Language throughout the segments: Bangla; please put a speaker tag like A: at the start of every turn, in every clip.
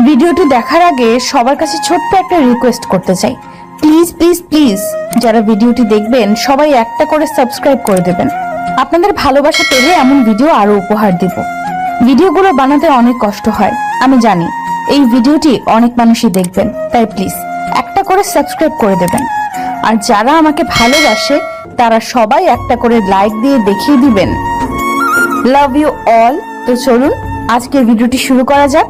A: ভিডিওটি দেখার আগে সবার কাছে ছোট্ট একটা রিকোয়েস্ট করতে চাই, প্লিজ প্লিজ প্লিজ যারা ভিডিওটি দেখবেন সবাই একটা করে সাবস্ক্রাইব করে দেবেন। আপনাদের ভালোবাসা পেলে এমন ভিডিও আরো উপহার দিব। ভিডিওগুলো বানাতে অনেক কষ্ট হয় আমি জানি, এই ভিডিওটি অনেক মানুষই দেখবেন, তাই প্লিজ একটা করে সাবস্ক্রাইব করে দেবেন। আর যারা আমাকে ভালোবাসে তারা সবাই একটা করে লাইক দিয়ে দেখিয়ে দিবেন। Love you all. তো চলুন আজকের ভিডিওটি শুরু করা যাক।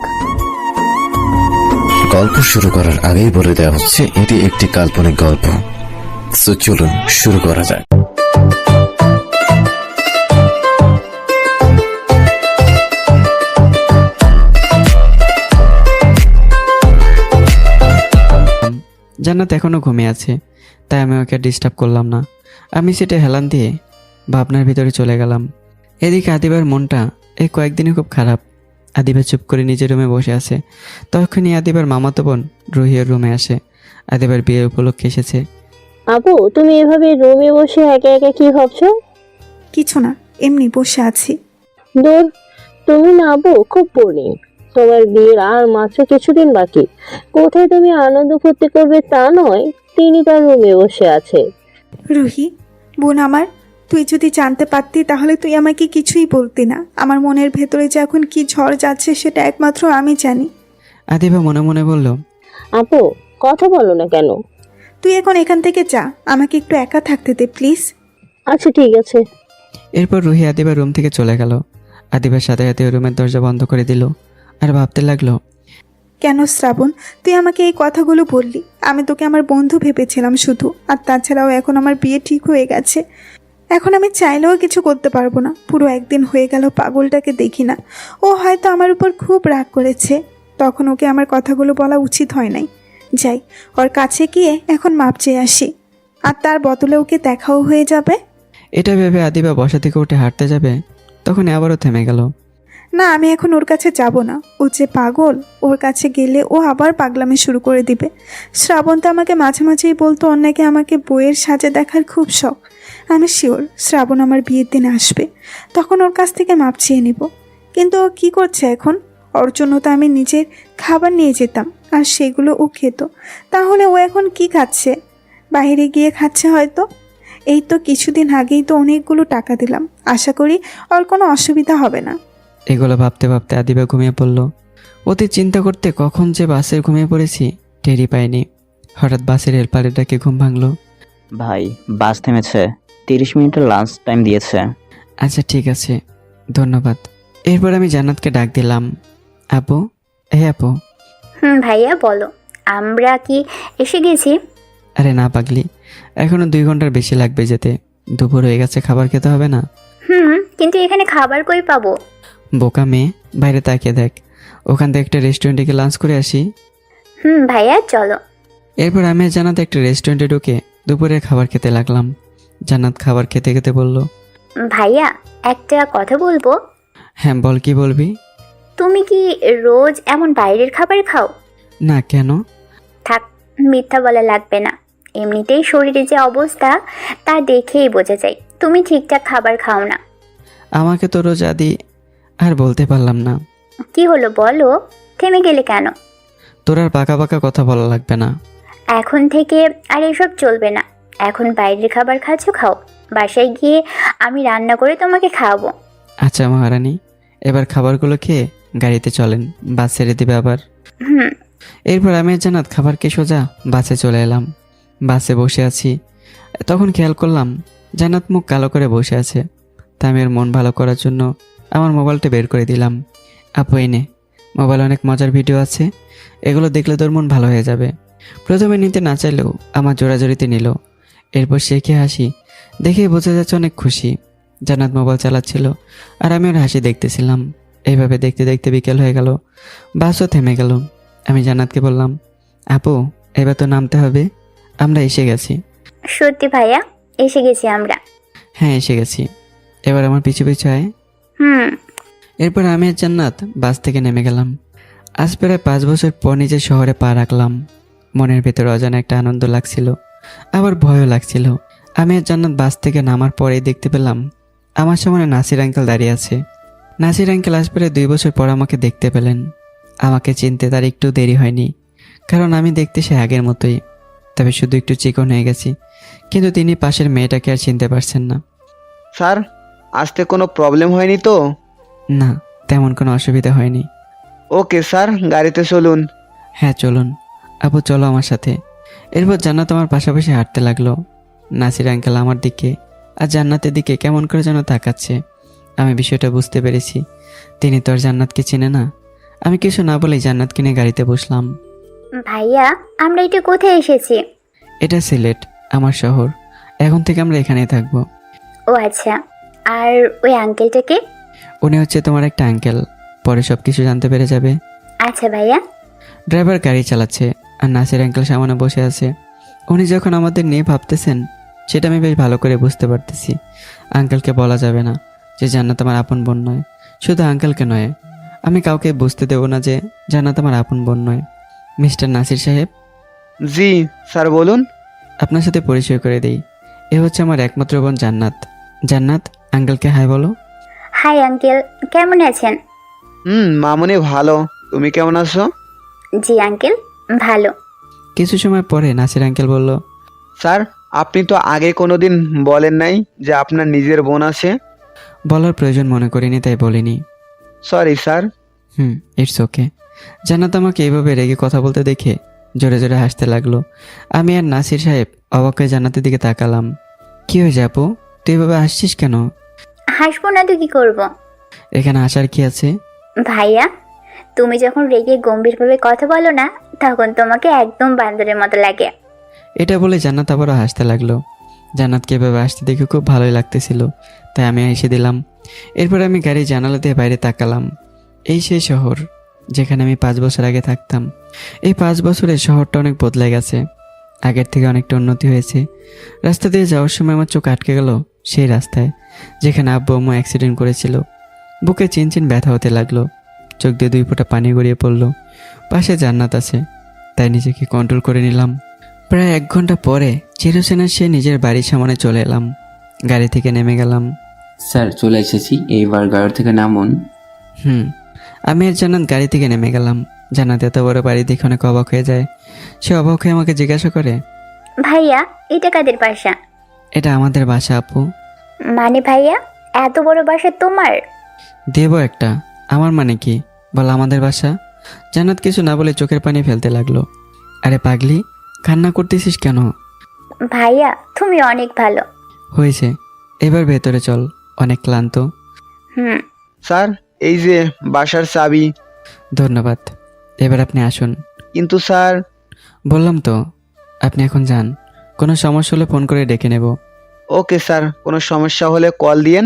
B: গল্প শুরু করার আগেই বলে দেওয়া হচ্ছে এটি একটি কাল্পনিক গল্প। সো চলুন শুরু করা যাক।
C: জান্নাত এখনো ঘুমিয়ে আছে, তাই আমি ওকে ডিস্টার্ব করলাম না। আমি সেটা হেলান দিয়ে ভাবনার ভিতরে চলে গেলাম। এদিকে আদিবার মনটা এই কয়েকদিনই খুব খারাপ। আদিবা চুপ করে নিজের রুমে বসে আছে। তখনই আদিবার মামাতো বোন রুহিয়ার রুমে আসে। আদিবার বিয়ের উপলক্ষে এসেছে।
D: আপু, তুমি এভাবে রুমে বসে একা একা কি ভাবছো?
E: কিছু না, এমনি বসে আছি।
D: দূর, তুমি না আপু খুব বোরিং। তোমার বিয়ের আর মাত্র কিছুদিন বাকি। কোথায় তুমি আনন্দ ফুর্তি করবে তা নয়, তিনি তার রুমে বসে আছে।
E: রুহি বোন আমার, তুই যদি জানতে পারতি তাহলে তুই আমাকে কিছুই বলতি না। আমার মনের ভেতরে যে এখন কি ঝড় যাচ্ছে সেটা একমাত্র আমি জানি।
C: আদিবা মনে মনে বলল,
D: আপু কথা বলো না কেন?
E: তুই এখন এখান থেকে যা, আমাকে একটু একা থাকতে দে প্লিজ।
D: আচ্ছা ঠিক আছে।
C: এরপর রুহি আদিবার রুম থেকে চলে গেল। আদিবার সাথে সাথে রুমের দরজা বন্ধ করে দিল আর ভাবতে লাগলো,
E: কেন শ্রাবণ তুই আমাকে এই কথাগুলো বললি? আমি তোকে আমার বন্ধু ভেবেছিলাম শুধু। আর তাছাড়াও এখন আমার বিয়ে ঠিক হয়ে গেছে। এখন আমি চাইলেও কিছু করতে পারবো না। পুরো একদিন হয়ে গেল পাগলটাকে দেখি না। ও হয়তো আমার উপর খুব রাগ করেছে, তখন ওকে আমার কথাগুলো বলা উচিত হয় নাই। যাই, ওর কাছে গিয়ে এখন মাপ চেয়ে আসি, আর তার বদলে ওকে দেখাও হয়ে যাবে।
C: এটা ভেবে আদিবা বসা থেকে উঠে হাঁটতে যাবে, তখন আবারও থেমে গেল।
E: না, আমি এখন ওর কাছে যাব না। ও যে পাগল, ওর কাছে গেলে ও আবার পাগলামি শুরু করে দিবে। শ্রাবণ তো আমাকে মাঝে মাঝেই বলতো ওর নাকি আমাকে বইয়ের সাজে দেখার খুব শখ। আমি শিওর শ্রাবণ আমার বিয়ের দিনে আসবে, তখন ওর কাছ থেকে মাপ চেয়ে নিব। কিন্তু ও কী করছে এখন? ওর জন্য তো আমি নিজের খাবার নিয়ে যেতাম, আর সেগুলো ও খেত। তাহলে ও এখন কি খাচ্ছে? বাইরে গিয়ে খাচ্ছে হয়তো। এই তো কিছুদিন আগেই তো অনেকগুলো টাকা দিলাম, আশা করি ওর কোনো অসুবিধা হবে না।
C: এগুলো ভাবতে ভাবতে আদিবা ঘুমিয়ে পড়ল। অতি চিন্তা করতে কখন যে বাসের ঘুমিয়ে পড়েছি টেরই পাইনি। হঠাৎ বাসের হেল্পারের ডাকে ঘুম ভাঙলো।
F: ভাই, বাস থেমেছে, 30 মিনিটের লাঞ্চ টাইম দিয়েছে।
C: আচ্ছা ঠিক আছে, ধন্যবাদ। এরপর আমি জান্নাতকে ডাক দিলাম, আপু, আপু।
G: ভাইয়া বলো, আমরা কি এসে গেছি?
C: আরে না পাগলি, এখনো 2 ঘন্টার বেশি লাগবে যেতে। দুপুর হয়ে গেছে, খাবার খেতে হবে না?
G: কিন্তু এখানে খাবার কই পাবো?
C: বোকা মেয়ে, বাইরে তাকিয়ে দেখ, ওখান থেকে একটা রেস্টুরেন্টে গিয়ে লাঞ্চ করে আসি।
G: ভাইয়া চলো।
C: এরপর আমি আর জান্নাত একটা রেস্টুরেন্টে ঢুকে দুপুরের খাবার খেতে লাগলাম। জান্নাত খাবার খেতে খেতে বলল,
G: ভাইয়া একটা কথা বলবো।
C: হ্যাঁ বল, কি বলবি?
G: তুমি কি রোজ এমন বাইরের খাবার খাও?
C: না, কেন?
G: থাক, মিথ্যা বলা লাগবে না। এমনিতেই শরীরে যে অবস্থা তা দেখেই বোঝা যায় তুমি ঠিকঠাক খাবার খাও না।
C: আমাকে তো রোজ আদি। আর বলতে পারলাম না।
G: কি হলো বলো, থেমে গেলে কেন?
C: তোর আর পাকা পাকা কথা বলা লাগবে না।
G: এখন থেকে আর এসব চলবে না। এখন বাইরের খাবার খাচ্ছ, খাও। বাসায় গিয়ে আমি রান্না করে তোমাকে খাওয়াবো।
C: আচ্ছা মহারানী, এবার খাবারগুলো খেয়ে গাড়িতে চলেন, বাস ছেড়ে দিবে আবার। এরপর আমি আর জান্নাত খাবার খেয়ে সোজা বাসে চলে এলাম। বাসে বসে আছি, তখন খেয়াল করলাম জান্নাত মুখ কালো করে বসে আছে। তা আমি ওর মন ভালো করার জন্য আমার মোবাইলটা বের করে দিলাম। আপু এনে, মোবাইলে অনেক মজার ভিডিও আছে, এগুলো দেখলে তোর মন ভালো হয়ে যাবে। প্রথমে নিতে না চাইলেও আমার জোড়াজোড়িতে নিল। এরপর শেখে হাসি দেখে বোঝা যাচ্ছে অনেক খুশি। জান্নাত মোবাইল চালাচ্ছিল আর আমি ওর হাসি দেখতেছিলাম। এইভাবে দেখতে দেখতে বিকেল হয়ে গেল, বাসও থেমে গেল। আমি জান্নাতকে বললাম, আপু এবার তো নামতে হবে, আমরা এসে গেছি।
G: সত্যি ভাইয়া, এসে গেছি আমরা।
C: হ্যাঁ এসে গেছি, এবার আমার পিছু পিছু আয়। এরপর আমি আর জান্নাত বাস থেকে নেমে গেলাম। আজ প্রায় 5 বছর পর নিজের শহরে পা রাখলাম। মনের ভেতরে অজানা একটা আনন্দ লাগছিল, আবার ভয়ও লাগছিল। আমি আর জান্নাত বাস থেকে নামার পরেই দেখতে পেলাম আমার সামনে নাসির আঙ্কেল দাঁড়িয়ে আছে। নাসির আঙ্কেল আজ প্রায় 2 বছর পর আমাকে দেখতে পেলেন। আমাকে চিনতে তার একটু দেরি হয়নি, কারণ আমি দেখতে সে আগের মতোই, তবে শুধু একটু চিকন হয়ে গেছি। কিন্তু তিনি পাশের মেয়েটাকে আর চিনতে পারছেন না।
H: স্যার, আসতে কোনো প্রবলেম হয়নি তো?
C: না, তেমন কোনো অসুবিধা হয়নি।
H: ওকে স্যার, গাড়িতে চলুন।
C: হ্যাঁ চলুন। আপু চলো আমার সাথে। এরপর জান্নাত আমার পাশাপাশি হাঁটতে লাগলো। নাসির আঙ্কেল আমার দিকে আর জান্নাতের দিকে কেমন করে যেন তাকাচ্ছে। আমি বিষয়টা বুঝতে পেরেছি, তিনি তো আর জান্নাতকে চেনে না। আমি কিছু না বলেই জান্নাতকে নিয়ে গাড়িতে বসলাম।
G: ভাইয়া, আমরা এটা কোথায় এসেছি?
C: এটা সিলেট, আমার শহর। এখন থেকে আমরা এখানেই থাকবো।
G: ও আচ্ছা, আর ওই আঙ্কেলটাকে?
C: উনি হচ্ছে তোমার একটা আঙ্কেল, পরে সব কিছু জানতে পেরে যাবে।
G: আচ্ছা ভাইয়া।
C: ড্রাইভার গাড়ি চালাচ্ছে আর নাসির আঙ্কেল সামনে বসে আছে। উনি যখন আমাদের নিয়ে ভাবতেছেন সেটা আমি বেশ ভালো করে বুঝতে পারতেছি। আঙ্কেলকে বলা যাবে না যে জান্নাত আমার আপন বোন নয়। শুধু আঙ্কেলকে নয়, আমি কাউকে বুঝতে দেব না যে জান্নাত আমার আপন বোন নয়। মিস্টার নাসির সাহেব,
H: জি স্যার, বলুন।
C: আপনার সাথে পরিচয় করে দেই। এ হচ্ছে আমার একমাত্র বোন জান্নাত। জান্নাত, আঙ্কেলকে হাই বলো।
G: হাই আঙ্কেল, কেমন আছেন?
H: মামুনি ভালো, তুমি কেমন আছো?
G: জি আঙ্কেল, ভালো।
C: কিছু সময় পরে নাসির আঙ্কেল বলল,
H: স্যার, আপনি তো আগে কোনোদিন বলেন নাই যে আপনার নিজের বোন আছে।
C: বলার প্রয়োজন মনে করিনি তাই বলিনি।
H: Sorry sir.
C: It's okay. Jannat আমাকে এভাবে রেগে কথা বলতে দেখে জোরে জোরে হাসতে লাগলো। আমি আর নাসির সাহেব অবাক হয়ে জান্নাতের দিকে তাকালাম। কি হয়েছে আপু, তুই এভাবে হাসছিস কেন?
G: হাসবো না তো কি করবো?
C: এখানে হাসার কি আছে?
G: ভাইয়া, তুমি যখন রেগে গম্ভীরভাবে কথা বলো না, তখন তোমাকে একদম বান্দরের মতো লাগে।
C: এটা বলে জান্নাত আবারও হাসতে লাগলো। জান্নাতকে এভাবে হাসতে দেখে খুব ভালোই লাগতেছিল, তাই আমি হেসে দিলাম। এরপর আমি গাড়ি জানালা দিয়ে বাইরে তাকালাম। এই সেই শহর যেখানে আমি 5 বছর আগে থাকতাম। এই 5 বছরে শহরটা অনেক বদলে গেছে, আগের থেকে অনেকটা উন্নতি হয়েছে। রাস্তা দিয়ে যাওয়ার সময় আমার চোখ আটকে গেল সেই রাস্তায় যেখানে আব্বু আম্মু অ্যাক্সিডেন্ট করেছিল। বুকে চিনচিন ব্যথা হতে লাগলো, চোখ দিয়ে 2 ফোঁটা পানি গড়িয়ে পড়লো। পাশে জান্নাত আছে, তাই নিজেকে কন্ট্রোল করে নিলাম। প্রায় 1 ঘন্টা পরে চিরসেনা সে নিজের বাড়ির সামনে চলে এলাম। গাড়ি থেকে নেমে গেলাম।
I: স্যার, চলে এসেছি, এইবার গাড়ি থেকে নামুন।
C: আমি আর জান্নাত গাড়ি থেকে নেমে গেলাম। জান্নাত এত বড় বাড়ি দেখে অনেক অবাক হয়ে যায়। সে অবাক হয়ে আমাকে জিজ্ঞাসা করে,
G: ভাইয়া, এটা কাদের বাসা?
C: এটা আমাদের বাসা আপু।
G: মানে ভাইয়া, এত বড় বাসা তোমার?
C: দেবো একটা, আমার মানে কি বল, আমাদের বাসা। জান্নাত কিছু না বলে চোখের পানি ফেলতে লাগলো। আরে পাগলি, কান্না করতেছিস কেন?
G: ভাইয়া, তুমি অনেক ভালো।
C: হয়েছে, এবার ভেতরে চল, অনেক ক্লান্ত।
H: স্যার, এই যে বাসার চাবি।
C: ধন্যবাদ, এবার আপনি আসুন।
H: কিন্তু স্যার।
C: বললাম তো, আপনি এখন যান, কোনো সমস্যা হলে ফোন করে ডেকে নেব।
H: ওকে স্যার, কোনো সমস্যা হলে কল দিয়েন।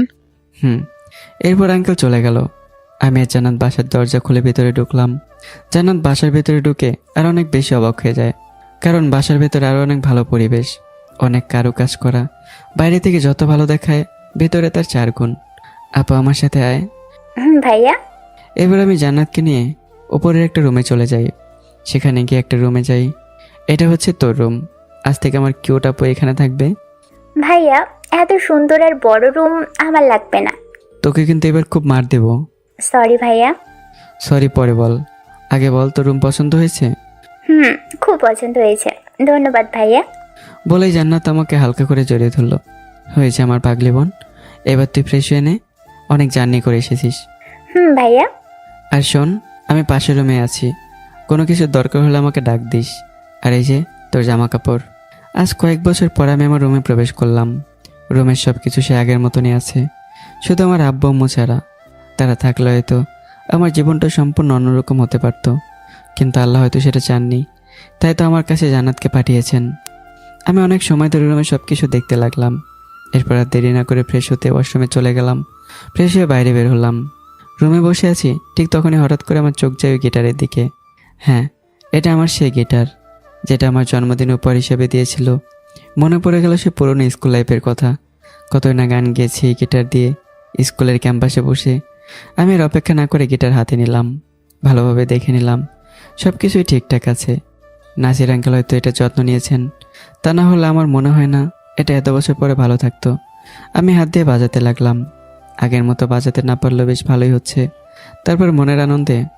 C: এরপর আঙ্কেল চলে গেল। আমি আর জান্নাত বাসার দরজা খুলে ভেতরে ঢুকলাম। জান্নাত বাসার ভেতরে ঢুকে আর অনেক বেশি অবাক হয়ে যায়, কারণ বাসার ভেতরে আরও অনেক ভালো পরিবেশ, অনেক কারুকাজ করা। বাইরে থেকে যত ভালো দেখায়, ভেতরে তার 4 গুণ। আপু আমার সাথে আয়।
G: ভাইয়া।
C: এবার আমি জান্নাতকে নিয়ে ওপরের একটা রুমে চলে যাই। সেখানে গিয়ে একটা রুমে যাই। এটা হচ্ছে তোর রুম, আজ থেকে আমার কিউট আপু এখানে থাকবে।
G: ভাইয়া, এত সুন্দর আর বড় রুম আমার লাগবে না।
C: তোকে কিন্তু এবার খুব মার দেব।
G: সরি ভাইয়া।
C: সরি পরে বল, আগে বল তোর রুম পছন্দ হয়েছে?
G: খুব পছন্দ হয়েছে, ধন্যবাদ ভাইয়া।
C: বলেই জান্নাত আমাকে হালকা করে জড়িয়ে ধরলো। হয়েছে আমার পাগলি বোন, এবার তুই ফ্রেশ হয়ে নে, অনেক জার্নি করে এসেছিস।
G: ভাইয়া।
C: আর শোন, আমি পাশের রুমে আছি, কোনো কিছুর দরকার হলে আমাকে ডাক দিস। আর এই যে তোর জামা কাপড়। আজ কয়েক বছর পর আমি আমার রুমে প্রবেশ করলাম। রুমের সব কিছু সে আগের মতনই আছে, শুধু আমার আব্বু আম্মু ছাড়া। তারা থাকলে হয়তো আমার জীবনটা সম্পূর্ণ অন্যরকম হতে পারত, কিন্তু আল্লাহ হয়তো সেটা চাননি, তাই তো আমার কাছে জান্নাতকে পাঠিয়েছেন। আমি অনেক সময় ধরে রুমে সব কিছু দেখতে লাগলাম। এরপর আর দেরি না করে ফ্রেশ হতে ওয়াশরুমে চলে গেলাম। ফ্রেশ হয়ে বাইরে বের হলাম। রুমে বসে আছি, ঠিক তখনই হঠাৎ করে আমার চোখ যায় ওই গিটারের দিকে। হ্যাঁ, এটা আমার সেই গিটার যেটা আমার জন্মদিন উপহার হিসেবে দিয়েছিল। মনে পড়ে গেল সে পুরনো স্কুল লাইফের কথা। কতই না গান গেয়েছি এই গিটার দিয়ে স্কুলের ক্যাম্পাসে বসে। আমি আর অপেক্ষা না করে গিটার হাতে নিলাম, ভালোভাবে দেখে নিলাম সব কিছুই ঠিকঠাক আছে। নাসির আঙ্কেল হয়তো এটা যত্ন নিয়েছেন, তা না হলে আমার মনে হয় না এটা এত বছর পরে ভালো থাকতো। আমি হাত দিয়ে বাজাতে লাগলাম, আগের মতো বাজাতে না পারলেও বেশ ভালোই হচ্ছে। তারপর মনের আনন্দে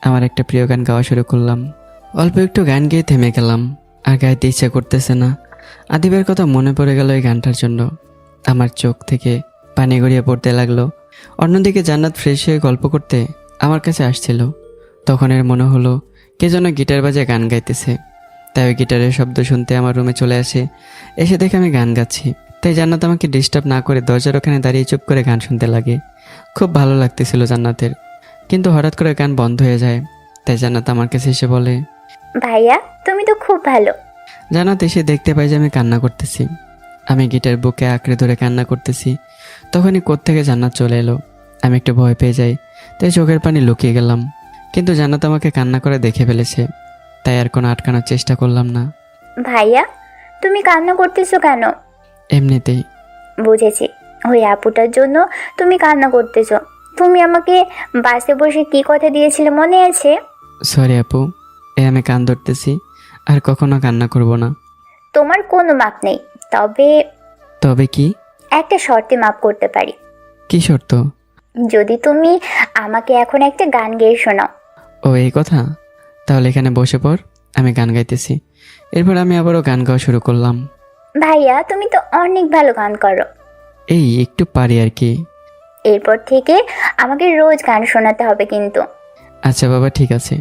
C: আমার একটা প্রিয় গান গাওয়া শুরু করলাম। অল্প একটু গান গেয়ে থেমে গেলাম, আর গাইতে ইচ্ছা করতেছে না। আদিবের কথা মনে পড়ে গেল এই গানটার জন্য। আমার চোখ থেকে পানি গড়িয়ে পড়তে লাগলো। অন্যদিকে জান্নাত ফ্রেশ হয়ে গল্প করতে আমার কাছে আসছিল। তখন এর মনে হলো কে যেন গিটার বাজে গান গাইতেছে। তাই ওই গিটারের শব্দ শুনতে আমার রুমে চলে আসে। এসে দেখে আমি গান গাচ্ছি। তাই জান্নাত আমাকে ডিস্টার্ব না করে দরজার ওখানে দাঁড়িয়ে চুপ করে গান শুনতে লাগে। খুব ভালো লাগতেছিল জান্নাতের, কিন্তু হঠাৎ করে গান বন্ধ হয়ে যায়। তাই জান্নাত আমার কাছে এসে বলে,
G: ভাইয়া তুমি তো খুব ভালো।
C: জান্নাত এসে দেখতে পাই যে আমি কান্না করতেছি। আমি গিটার বুকে আঁকড়ে ধরে কান্না করতেছি। তখনই কোত্থেকে জান্নাত চলে এলো। আমি একটু ভয় পেয়ে যাই, তাই চোখের পানি লুকিয়ে গেলাম। কিন্তু জান্নাত আমাকে কান্না করে দেখে ফেলেছে, তাই আর কোনো আটকানোর চেষ্টা করলাম না।
G: ভাইয়া তুমি কান্না করতেছো কেন?
C: এমনিতেই।
G: বুঝেছি, ওই আপুটার জন্য তুমি কান্না করতেছো। তুমি আমাকে বাসে বসে কি কথা দিয়েছিলে মনে আছে?
C: সরি আপু, আমি কান ধরতেছি, আর কখনো কান্না করব না।
G: তোমার কোনো মাপ নেই, তবে
C: তবে কি?
G: একটা শর্তে মাপ করতে পারি।
C: কি শর্ত?
G: যদি তুমি আমাকে এখন একটা গান গেয়ে শোনাও।
C: ও এই কথা, তাহলে এখানে বসে পড়, আমি গান গাইতেছি। এরপর আমি আবারও গান গাওয়া শুরু করলাম।
G: ভাইয়া তুমি তো অনেক ভালো গান করো।
C: এই একটু পারি আর কি।
G: এরপর থেকে আমাকে রোজ গান শোনাতে হবে কিন্তু।
C: আচ্ছা বাবা, ঠিক আছে।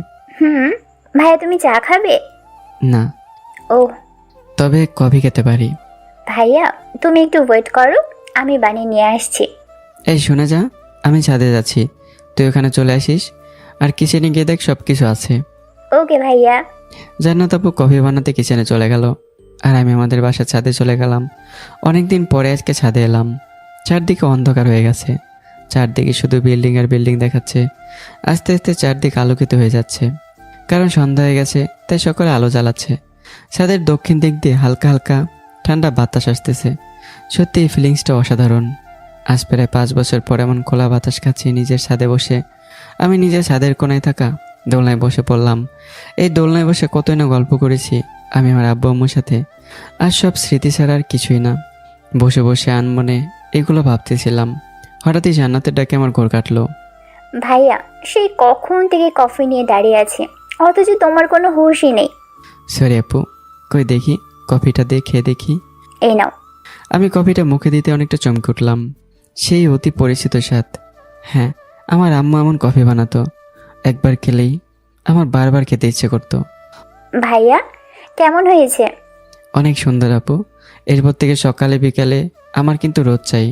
G: ভাইয়া তুমি চা খাবে?
C: না,
G: ও
C: তবে কফি খেতে পারি।
G: ভাইয়া তুমি একটু ওয়েট করো, আমি বানিয়ে নিয়ে আসছি।
C: এই শুনে যা, আমি ছাদে যাচ্ছি, তুই ওখানে চলে আসিস। আর কিচেনে গিয়ে দেখ সব কিছু আছে।
G: ওকে ভাইয়া।
C: জান্নাত আপু কফি বানাতে কিচেনে চলে গেল, আর আমি আমাদের বাসার ছাদে চলে গেলাম। অনেকদিন পরে আজকে ছাদে এলাম। চারদিকে অন্ধকার হয়ে গেছে, চারদিকে শুধু বিল্ডিং আর বিল্ডিং দেখাচ্ছে। আস্তে আস্তে চারদিক আলোকিত হয়ে যাচ্ছে, কারণ সন্ধ্যা হয়ে গেছে, তাই সকলে আলো জ্বালাচ্ছে। ছাদের দক্ষিণ দিক দিয়ে হালকা হালকা ঠান্ডা বাতাস আসতেছে। সত্যি এই ফিলিংসটা অসাধারণ। আজ প্রায় 5 বছর পর এমন খোলা বাতাস খাচ্ছি নিজের ছাদে বসে। আমি নিজের ছাদের কোনায় থাকা দোলনায় বসে পড়লাম। এই দোলনায় বসে কতই না গল্প করেছি আমি আমার আব্বু আম্মুর সাথে। আর সব স্মৃতি ছাড়া আর কিছুই না। বসে বসে আনমনে এগুলো ভাবতেছিলাম। হঠাৎই জান্নাতের ডাকে আমার ঘোর কাটলো।
G: ভাইয়া সেই কখন থেকে কফি নিয়ে দাঁড়িয়ে আছে, অথচ তোমার কোনো হুঁশই নেই।
C: সরি আপু, কই দেখি কফিটা দিয়ে খেয়ে দেখি।
G: এই নাও।
C: আমি কফিটা মুখে দিতে অনেকটা চমকে উঠলাম। সেই অতি পরিচিত স্বাদ। হ্যাঁ, আমার আম্মু এমন কফি বানাতো, একবার খেলেই আমার বারবার খেতে ইচ্ছে করতো।
G: ভাইয়া কেমন হয়েছে?
C: অনেক সুন্দর আপু, এরপর থেকে সকালে বিকালে আমার কিন্তু রোজ চাই।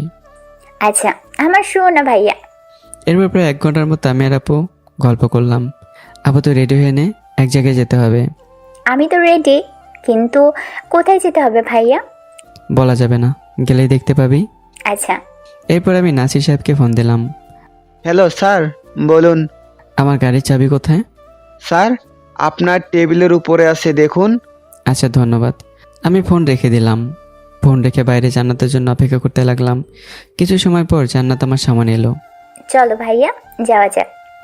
G: আচ্ছা আমার শো না ভাইয়া।
C: এরপর প্রায় 1 ঘন্টার মতো আমি আর আপু গল্প করলাম। আপু তো রেডি হয়ে নে, এক জায়গায় যেতে হবে।
G: আমি তো রেডি, কিন্তু কোথায় যেতে হবে ভাইয়া?
C: বলা যাবে না, গেলেই দেখতে পাবি।
G: আচ্ছা।
C: এরপর আমি নাসির সাহেবকে ফোন দিলাম।
H: হ্যালো স্যার, বলুন।
C: আমার গাড়ির চাবি কোথায়?
H: স্যার আপনার টেবিলের উপরে আছে, দেখুন।
C: আচ্ছা ধন্যবাদ। আমি ফোন রেখে দিলাম। ফোন রেখে বাইরে জান্নাতের জন্য অপেক্ষা করতে লাগলাম। কিছু সময় পর জান্নাত আমার সামনে এলো।
G: চলো ভাইয়া যাওয়া যাক।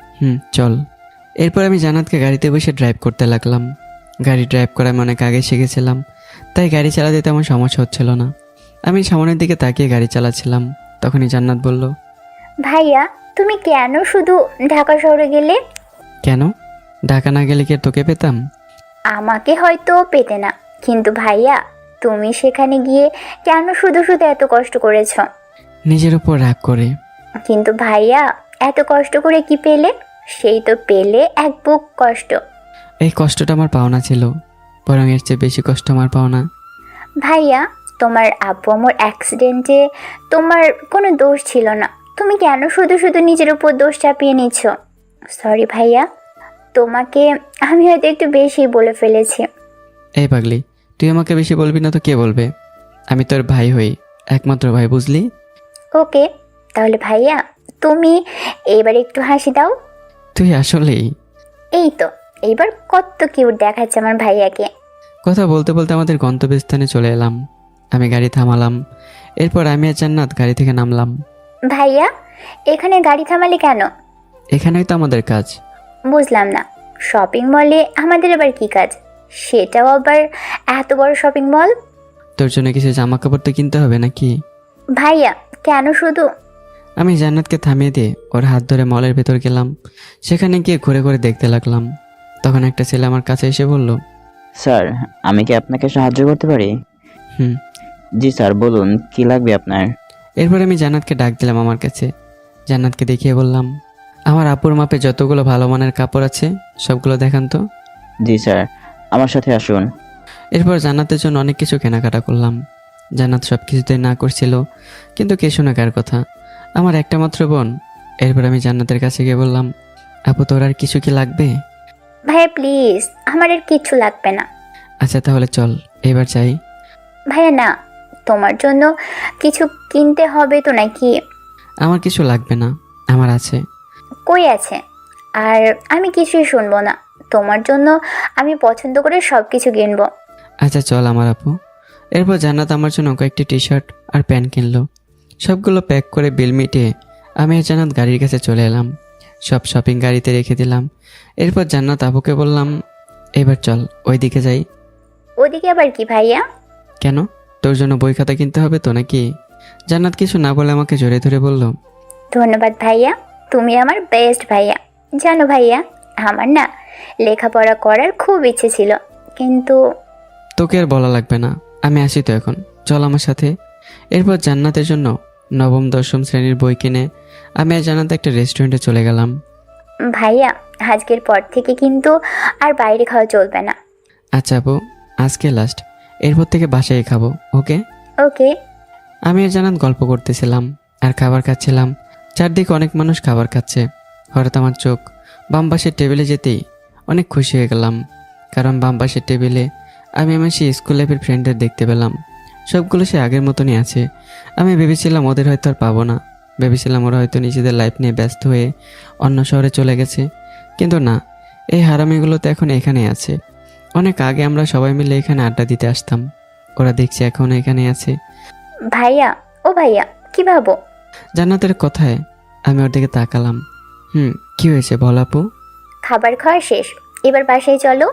C: চল। এরপর আমি জান্নাতকে গাড়িতে বসে ড্রাইভ করতে লাগলাম। গাড়ি ড্রাইভ করা আমি অনেক আগে শিখেছিলাম, তাই গাড়ি চালাতে তেমন সমস্যা হচ্ছিল না। আমি সামনের দিকে তাকিয়ে গাড়ি চালাচ্ছিলাম। তখনই জান্নাত বলল,
G: ভাইয়া তুমি কেন শুধু ঢাকা শহরে গেলে?
C: কেন? ঢাকা না গেলে কি আর তোকে পেতাম?
G: আমাকে হয়তো পেতে না, কিন্তু ভাইয়া তুমি সেখানে গিয়ে কেন শুধু শুধু এত কষ্ট করেছো?
C: নিজের উপর রাগ করে।
G: কিন্তু ভাইয়া এত কষ্ট করে কি পেলে? সেই তো পেলে এক বুক কষ্ট।
C: এই কষ্টটা আমার পাওনা ছিল, বরং এর চেয়ে বেশি কষ্ট আমার পাওনা।
G: ভাইয়া তোমার আব্বু আম্মুর অ্যাক্সিডেন্টে তোমার কোনো দোষ ছিল না, তুমি কেন শুধু শুধু নিজের উপর দোষ চাপিয়ে নিচ্ছ? সরি ভাইয়া, তোমাকে আমি হয়তো একটু বেশি বলে ফেলেছি।
C: এই পাগলি, তুই আমাকে বেশি বলবি না তো কে বলবে? আমি তোর ভাই হই, একমাত্র ভাই, বুঝলি?
G: ওকে, তাহলে ভাইয়া তুমি এবার একটু হাসি দাও।
C: তুই আসলেই।
G: এই তো, এইবার কত কিউট দেখাচ্ছে আমার ভাইয়াকে।
C: কথা বলতে বলতে আমাদের গন্তব্যস্থানে চলে এলাম। আমি গাড়ি থামালাম। এরপর আমি আর জান্নাত গাড়ি থেকে নামলাম।
G: ভাইয়া এখানে গাড়ি থামালে কেন?
C: এখানেই তো আমাদের কাজ।
G: বুঝলাম না, শপিং মলে আমাদের আবার কি কাজ? সেটাও আবার এত বড় শপিং মল।
C: তোর জন্য কিছু জামা কাপড় তো কিনতে হবে নাকি?
G: ভাইয়া কেন শুধু?
C: আমি জান্নাতকে থামিয়ে দিয়ে ওর হাত ধরে মলের ভেতর গেলাম। সেখানে গিয়ে ঘুরে ঘুরে দেখতে লাগলাম। তখন একটা ছেলে আমার কাছে এসে বলল,
F: স্যার আমি কি আপনাকে সাহায্য করতে পারি?
C: হুম।
F: জি স্যার বলুন, কি লাগবে আপনার?
C: এরপর আমি জান্নাতকে ডাক দিলাম আমার কাছে। জান্নাতকে দেখিয়ে বললাম, আমার আপুর মাপে যতগুলো ভালো মানের কাপড় আছে সবগুলো দেখান তো।
F: জি স্যার, আমার সাথে আসুন।
C: এরপর জান্নাতের জন্য অনেক কিছু কেনাকাটা করলাম। জান্নাত সব কিছুতেই না করছিল, কিন্তু কে শোনে কার কথা, আমার একটা মাত্র বোন। এরপর আমি জান্নাতের কাছে গিয়ে বললাম, আপু তোর আর কিছু কি লাগবে?
G: ভাইয়া প্লিজ, আমার আর কিচ্ছু লাগবে না।
C: আচ্ছা তাহলে চল এবার যাই।
G: ভাইয়া না, তোমার জন্য কিছু কিনতে হবে তো নাকি?
C: আমার কিছু লাগবে না, আমার আছে।
G: কই আছে? আর আমি কিছুই শুনবো না। তোমার জন্য আমি পছন্দ করে সব কিছু কিনবো।
C: আচ্ছা চল আমার আপু। এরপর জান্নাত আমার জন্য কয়েকটি টি শার্ট আর প্যান্ট কিনলো। সবগুলো প্যাক করে বিল মিটিয়ে আমি আর জান্নাত গাড়ির কাছে চলে এলাম। সব শপিং গাড়িতে রেখে দিলাম। এরপর জান্নাত আপুকে বললাম, এবার চল ওই দিকে যাই।
G: ওদিকে আবার কি ভাইয়া?
C: কেন, তোর জন্য বই খাতা কিনতে হবে তো নাকি? জান্নাত কিছু না বলে আমাকে জড়িয়ে ধরে বলল,
G: ধন্যবাদ ভাইয়া, তুমি আমার বেস্ট ভাইয়া। জানো ভাইয়া, আমার না লেখাপড়া করার খুব ইচ্ছে ছিল, কিন্তু
C: তোকে আর বলা লাগবে না, আমি আসি তো এখন, চল আমার সাথে। এরপর জান্নাতের জন্য নবম দশম শ্রেণীর বই কিনে আমি আর জান্নাত একটা রেস্টুরেন্টে চলে গেলাম।
G: ভাইয়া আজকের পর থেকে কিন্তু আর বাইরে খাওয়া চলবে না।
C: আচ্ছা আপু, আজকে লাস্ট, এরপর থেকে বাসায় খাবো, ওকে?
G: ওকে।
C: আমি আর জান্নাত গল্প করতেছিলাম আর খাবার খাচ্ছিলাম। চারদিকে অনেক মানুষ খাবার খাচ্ছে। হঠাৎ আমার চোখ বাম পাশের টেবিলে যেতেই অনেক খুশি হয়ে গেলাম, কারণ বাম পাশের টেবিলে আমি আমার সেই স্কুল লাইফের ফ্রেন্ডদের দেখতে পেলাম। সবগুলো সে আগের মতনই আছে। আমি ভেবেছিলাম ওদের হয়তো আর পাবো না, ভেবেছিলাম ওরা হয়তো নিজেদের লাইফ নিয়ে ব্যস্ত হয়ে অন্য শহরে চলে গেছে, কিন্তু না, এই হারামিগুলো তো এখন এখানে আছে। অনেক আগে আমরা সবাই মিলে এখানে আড্ডা দিতে আসতাম, ওরা দেখছি এখন এখানে আছে।
G: ভাইয়া, ও ভাইয়া, কি ভাবো?
C: জান্নাতের কথায় আমি ওর দিকে তাকালাম। কি হয়েছে বল আপু?
G: খাবার খাওয়া শেষ, এবার বাসায় চলো।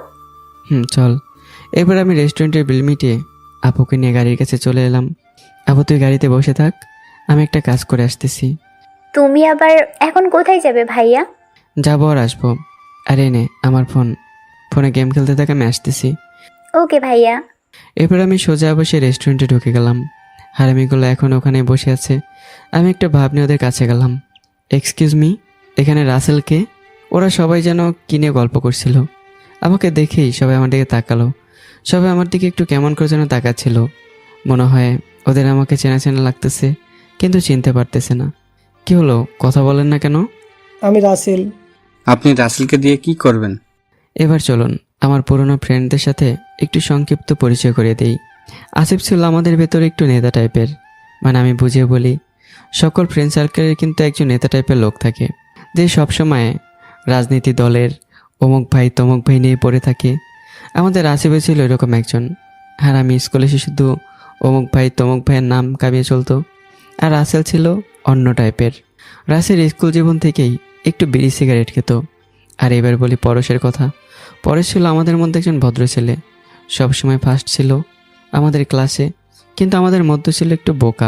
C: চল। এবার আমি রেস্টুরেন্টের বিল মিটিয়ে আপুকে নিয়ে গাড়ির কাছে চলে এলাম। আপু তুই গাড়িতে বসে থাক, আমি একটা কাজ করে আসতেছি।
G: তুমি আবার এখন কোথায় যাবে ভাইয়া?
C: যাবো আর আসবো। আরে নে আমার ফোনে গেম খেলতে থাক, আমি আসতেছি।
G: ওকে ভাইয়া।
C: এরপর আমি সোজা বসে রেস্টুরেন্টে ঢুকে গেলাম। হারামিগুলো এখন ওখানে বসে আছে। আমি একটা ভাব নিয়ে ওদের কাছে গেলাম। এক্সকিউজ মি, এখানে রাসেলকে? ওরা সবাই যেন কিনে গল্প করছিল। আমাকে দেখেই সবাই আমার দিকে তাকালো। সবাই আমার দিকে একটু কেমন করে যেন তাকাচ্ছিল। মনে হয় ওদের আমাকে চেনা চেনা লাগতেছে, কিন্তু চিনতে পারতেছে না। কি হলো, কথা বলেন না কেন?
J: আমি রাসেল।
I: আপনি রাসেলকে দিয়ে কি করবেন?
C: এবার চলুন আমার পুরনো ফ্রেন্ডদের সাথে একটু সংক্ষিপ্ত পরিচয় করে দেই। আসিফ ছিল আমাদের ভেতরে একটু নেতা টাইপের, মানে আমি বুঝিয়ে বলি, সকল ফ্রেন্ড সার্কেলের কিন্তু একজন নেতা টাইপের লোক থাকে, যে সবসময় রাজনীতি দলের অমুক ভাই তমুক ভাই নিয়ে পড়ে থাকে। আমাদের আসিফে ছিল এরকম একজন। আর আমি স্কুলে এসে শুধু অমুক ভাই তমুক ভাইয়ের নাম কামিয়ে চলতো। আর রাসেল ছিল অন্য টাইপের। রাসেল স্কুল জীবন থেকেই একটু বিড়ি সিগারেট খেত। আর এবার বলি পরশের কথা। পরেশ ছিল আমাদের মধ্যে একজন ভদ্র ছেলে, সবসময় ফার্স্ট ছিল আমাদের ক্লাসে, কিন্তু আমাদের মধ্যে ছিল একটু বোকা।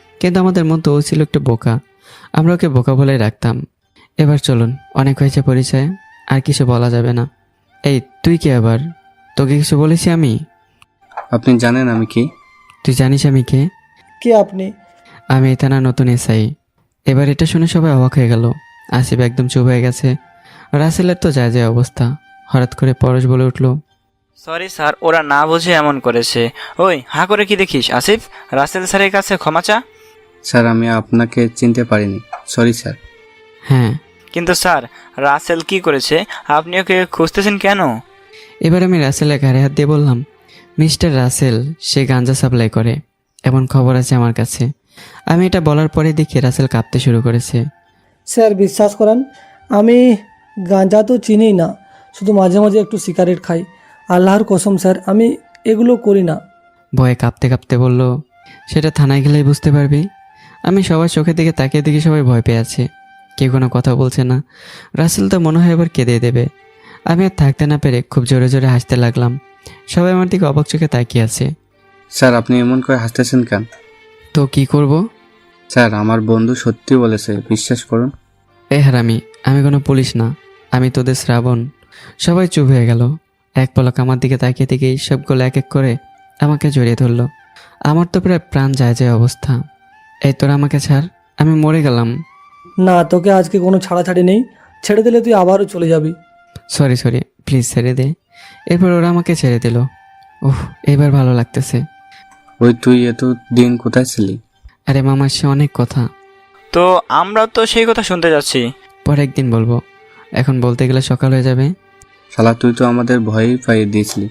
C: আমরা ওকে বোকা বলে রাখতাম। এবার চলুন, অনেক হয়েছে পরিচয়, আর কিছু বলা যাবে না। এই তুই কি আবার? তোকে কিছু বলেছি আমি?
I: আপনি জানেন আমি কি?
C: তুই জানিস আমি কে?
J: কে আপনি?
C: আমি এই থানার নতুন এসআই। এবার এটা শুনে সবাই অবাক হয়ে গেল। আসিফ একদম চুপ হয়ে গেছে। রাসেলের তো যায় অবস্থা। হঠাৎ করে পরশ বলে উঠল,
K: সরি স্যার, ওরা না বুঝে এমন করেছে। ওই হা করে কি দেখিস আসিফ? রাসেল স্যারের কাছে ক্ষমা চা।
I: স্যার আমি আপনাকে চিনতে পারিনি, সরি স্যার।
C: হ্যাঁ।
K: কিন্তু স্যার, রাসেল কি করেছে? আপনি ওকে খুঁজতেছেন কেন?
C: এবার আমি রাসেলের ঘাড়ে হাত দিয়ে বললাম, মিস্টার রাসেল সে গাঞ্জা সাপ্লাই করে, এমন খবর আছে আমার কাছে। আমি এটা বলার পরে দেখি রাসেল কাঁপতে শুরু করেছে।
J: স্যার বিশ্বাস করেন, আমি গাঁজা তো চিনি না, শুধু মাঝে মাঝে একটু সিগারেট খাই। আল্লাহর কসম স্যার, আমি এগুলো করি না।
C: ভয়ে কাঁপতে কাঁপতে বলল, সেটা থানায় গেলেই বুঝতে পারবি। আমি সবার চোখের দিকে তাকিয়ে দেখি সবাই ভয় পেয়ে আছে, কেউ কোনো কথা বলছে না। রাসেল তো মনে হয় এবার কেঁদে দেবে। আমি আর থাকতে না পেরে খুব জোরে জোরে হাসতে লাগলাম। সবাই আমার দিকে অবাক চোখে তাকিয়ে আছে।
I: স্যার আপনি এমন করে হাসতেছেন কেন?
C: তো কি করব?
I: স্যার আমার বন্ধু সত্যি বলেছে, বিশ্বাস করুন।
C: এ হারামি, আমি কোনো পুলিশ না, আমি তোদের শ্রাবণ। সবাই চুপ হয়ে গেল। এক পলক আমার দিকে তাকিয়ে থেকেই সবগুলো এক এক করে আমাকে জড়িয়ে ধরলো। আমার তো প্রায় প্রাণ যায় যায় অবস্থা। এই তোরা আমাকে ছাড়, আমি মরে গেলাম।
J: না, তোকে আজকে কোনো ছাড়াছাড়ি নেই। ছেড়ে দিলে তুই আবারও চলে যাবি।
C: সরি প্লিজ ছেড়ে দে। এরপর ওরা আমাকে ছেড়ে দিল। ওহ, এবার ভালো লাগতেছে।
I: ওই তুই এত দিন কোথায় ছিলি?
C: আরে মামা, সে অনেক কথা,
K: তো আমরা তো সেই কথা শুনতে যাচ্ছি।
C: পরে একদিন বলবো, এখন বলতে গেলে সকাল হয়ে যাবে।
I: শালা তুই তো আমাদের ভয়ই পাইয়ে দিয়েছিলি।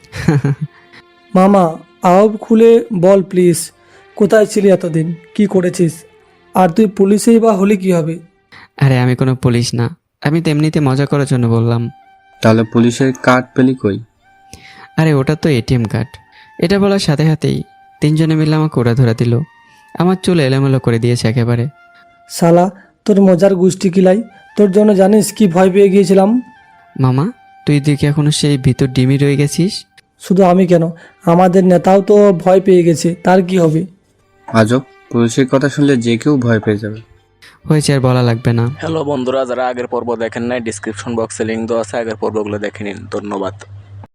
J: মামা, আওয়াজ খুলে বল প্লিজ, কোথায় ছিলি এতদিন, কি করেছিস? আর তুই পুলিশেই বা হলি কি হবে?
C: আরে আমি কোনো পুলিশ না, আমি তো এমনিতে মজা করার জন্য বললাম।
I: তাহলে পুলিশের কার্ড পেলি কই?
C: আরে ওটা তো এটিএম কার্ড। এটা বলার সাথে সাথেই তিনজনে মিলে আমাকে ওরা ধরে দিল। আমার চুল এলোমেলো করে দিয়েছে একেবারে।
J: শালা, তোর মজার গোষ্ঠী কিলাই। তোর জন্য জানিস কি ভয় পেয়ে গিয়েছিলাম?
C: মামা, তুই দেখি এখনো সেই ভিতর ডিমি রয়ে গেছিস।
J: শুধু আমি কেন, আমাদের নেতাও তো ভয় পেয়ে গেছে, তার কি হবে?
I: আজব, পুলিশের কথা শুনলে যে কেউ ভয় পেয়ে যাবে।
C: হয়েছে, আর বলা লাগবে না।
L: হ্যালো বন্ধুরা, যারা আগের পর্ব দেখেন নাই, ডিসক্রিপশন বক্সে লিঙ্ক দেওয়া আছে, আগের পর্বগুলো দেখে নিন। ধন্যবাদ।